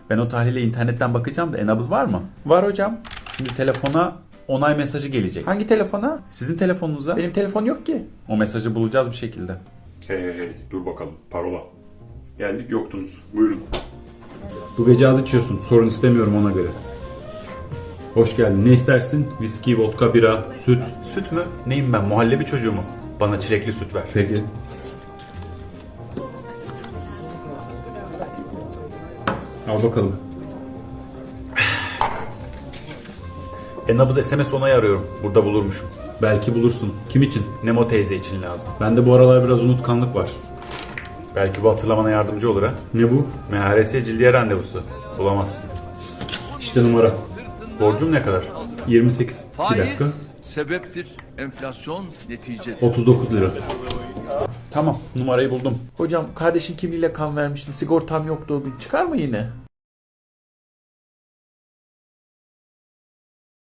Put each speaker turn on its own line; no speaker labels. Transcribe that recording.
Ben o tahlile internetten bakacağım da nabız var mı?
Var hocam.
Şimdi telefona onay mesajı gelecek.
Hangi telefona?
Sizin telefonunuza.
Benim telefon yok ki.
O mesajı bulacağız bir şekilde.
Hey, dur bakalım. Parola. Geldik yoktunuz. Buyurun.
Bu gece az içiyorsun. Sorun istemiyorum ona göre. Hoş geldin. Ne istersin? Viski, vodka, bira, süt. Süt mü? Neyim ben? Muhallebi çocuğu mu? Bana çilekli süt ver. Peki. Al bakalım. Nabız SMS onayı arıyorum. Burada bulurmuşum. Belki bulursun. Kim için? Nemo teyze için lazım. Bende bu aralar biraz unutkanlık var. Belki bu hatırlamana yardımcı olur ha. Ne bu? MHRS cildiye randevusu. Bulamazsın. İşte numara. Borcum ne kadar? 28. Bir dakika.
Faiz sebeptir, enflasyon neticedir.
39 lira. Tamam, numarayı buldum.
Hocam kardeşin kimliğiyle kan vermiştim. Sigortam yoktu o gün. Çıkar mı yine?